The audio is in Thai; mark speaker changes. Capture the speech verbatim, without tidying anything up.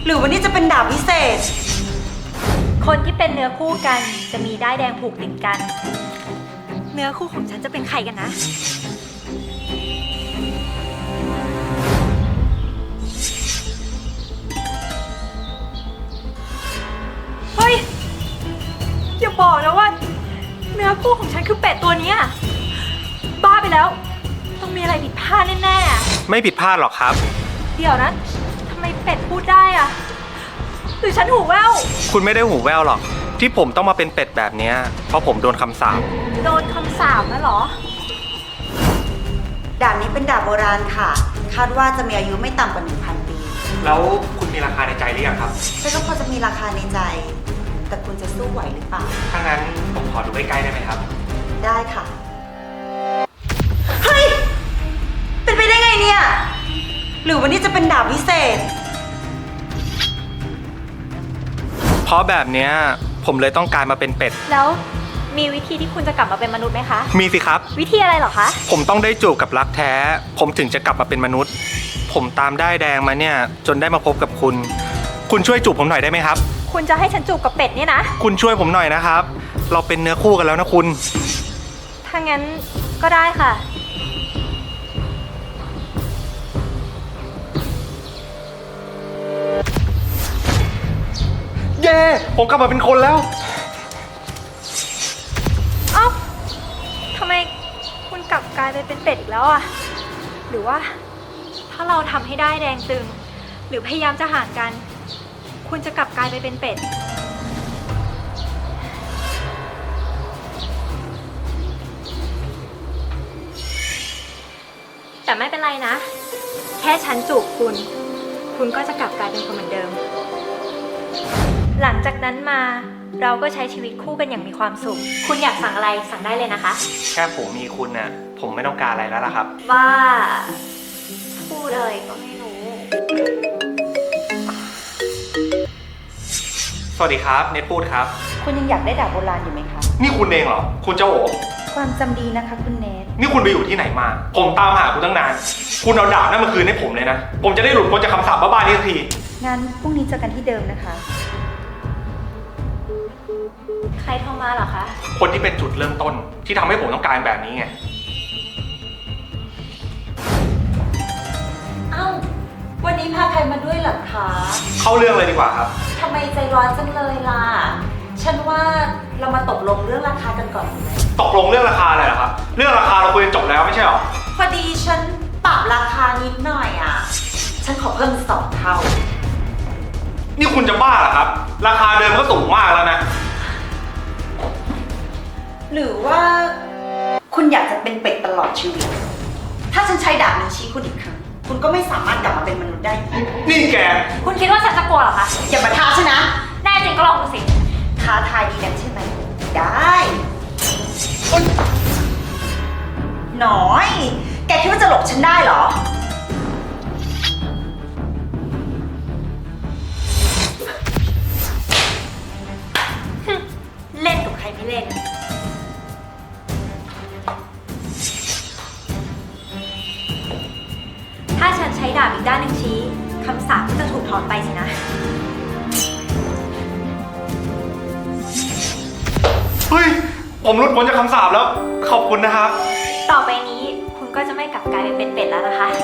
Speaker 1: หรือวันนี้จะเป็นดาบพิเศษ
Speaker 2: คนที่เป็นเนื้อคู่กันจะมีด้ายแดงผูกติดกันเนื้อคู่ของฉันจะเป็นใครกันนะเฮ้ยอย่าบอกนะว่าเนื้อคู่ของฉันคือเป็ดตัวนี้บ้าไปแล้วต้องมีอะไรผิดพลาดแน่
Speaker 3: ๆไม่ผิดพลาดหรอกครับ
Speaker 2: เดี๋ยวนะทำไมเป็ดพูดได้อะหรือฉันหูแว่ว
Speaker 3: คุณไม่ได้หูแว่วหรอกที่ผมต้องมาเป็นเป็ดแบบนี้เพราะผมโดนคำสาป
Speaker 2: โดนคำสาปนะหรอ
Speaker 1: ดาบนี้เป็นดาบโบราณค่ะคาดว่าจะมีอายุไม่ต่ำกว่า หนึ่งพัน ปี
Speaker 3: แล้วคุณมีราคาในใจหรือยังครับ
Speaker 1: ฉันก็พอจะมีราคาในใจแต่คุณจะสู้ไหวหรือเปล่า
Speaker 3: ถ้างั้นผมขอดูใกล้ๆได้ไหมครับ
Speaker 1: ได้ค่ะเฮ้ยเป็นไปได้ไงเนี่ยหรือวันนี้จะเป็นดาบพิเศษ
Speaker 3: เพราะแบบเนี้ยผมเลยต้องการมาเป็นเป็ด
Speaker 2: แล้วมีวิธีที่คุณจะกลับมาเป็นมนุษย์ไหมคะ
Speaker 3: มีสิครับ
Speaker 2: วิธีอะไรเหรอคะ
Speaker 3: ผมต้องได้จูบกับรักแท้ผมถึงจะกลับมาเป็นมนุษย์ผมตามได้แดงมาเนี่ยจนได้มาพบกับคุณคุณช่วยจูบผมหน่อยได้ไหมครับ
Speaker 2: คุณจะให้ฉันจูบกับเป็ดเนี่ยนะ
Speaker 3: คุณช่วยผมหน่อยนะครับเราเป็นเนื้อคู่กันแล้วนะคุณ
Speaker 2: ถ้างั้นก็ได้ค่ะ
Speaker 3: เย้ผมกลับมาเป็นคนแล้ว
Speaker 2: เอ้าทำไมคุณกลับกลายไปเป็นเป็ดอีกแล้วอ่ะหรือว่าถ้าเราทำให้ได้แดงตึงหรือพยายามจะห่างกันคุณจะกลับกลายไปเป็นเป็ดแต่ไม่เป็นไรนะแค่ฉันจูบคุณคุณก็จะกลับกลายเป็นคนเหมือนเดิมหลังจากนั้นมาเราก็ใช้ชีวิตคู่กันอย่างมีความสุขคุณอยากสั่งอะไรสั่งได้เลยนะคะ
Speaker 3: แค่ผมมีคุณน่ะผมไม่ต้องการอะไรแล้วล่ะครับ
Speaker 2: ว่าพูดอะไรก็ไม่รู้
Speaker 3: สวัสดีครับเนทพูดครับ
Speaker 1: คุณยังอยากได้ดาบโบราณอยู่ไหมคะ
Speaker 3: นี่คุณเองเหรอคุณเจ้าโอ๋
Speaker 1: ความจำดีนะคะคุณเนท
Speaker 3: นี่คุณไปอยู่ที่ไหนมาผมตามหาคุณตั้งนานคุณเอาดาบนั่นมาคืนให้ผมเลยนะผมจะได้หลุดพ้นจากคำสาปบ้าๆนี้สักที
Speaker 1: งั้นพรุ่งนี้เจอกันที่เดิมนะคะ
Speaker 2: ใครโทรมาเหรอคะ
Speaker 3: คนที่เป็นจุดเริ่มต้นที่ทำให้ผมต้องการแบบนี้ไง
Speaker 1: เอ้าวันนี้พาใครมาด้วยเหรอคะ
Speaker 3: เข้าเรื่องเลยดีกว่าครับ
Speaker 1: ทำไมใจร้อนจังเลยล่ะฉันว่าเรามาตกลงเรื่องราคากันก่อนดีไหม
Speaker 3: ตกลงเรื่องราคาอะไรเหรอครับเรื่องราคาเราคุยกันจบแล้วไม่ใช่หรอ
Speaker 1: พอดีฉันปรับราคานิดหน่อยอ่ะฉันขอเพิ่มสองเท่า
Speaker 3: นี่คุณจะบ้าเหรอครับราคาเดิมก็สูงมากแล้วนะ
Speaker 1: หรือว่าคุณอยากจะเป็นเป็ดตลอดชีวิตถ้าฉันใช้ดาบนี้ชี้คุณอีกครั้งคุณก็ไม่สามารถกลับมาเป็นมนุษย์ได้อีก
Speaker 3: นี่แก
Speaker 2: คุณคิดว่าฉันจะกลัวเหรอคะ
Speaker 1: อย่ามาท้าฉันนะ
Speaker 2: แน่จริงก็ลองดูสิ
Speaker 1: ท้าทายดีนักใช่ไหมได้หน่อยแกคิดว่าจะหลบฉันได้เหรอเล่นกับใครไม่เล่น
Speaker 2: ถ้าฉันใช้ดาบอีกด้านหนึ่งชี้คำสาปก็จะถูกถอนไปสินะ
Speaker 3: เฮ้ยผมหลุดพ้นจากคำสาปแล้วขอบคุณนะครับ
Speaker 2: ต่อไปนี้คุณก็จะไม่กลับกลายเป็นเป็ดแล้วนะคะ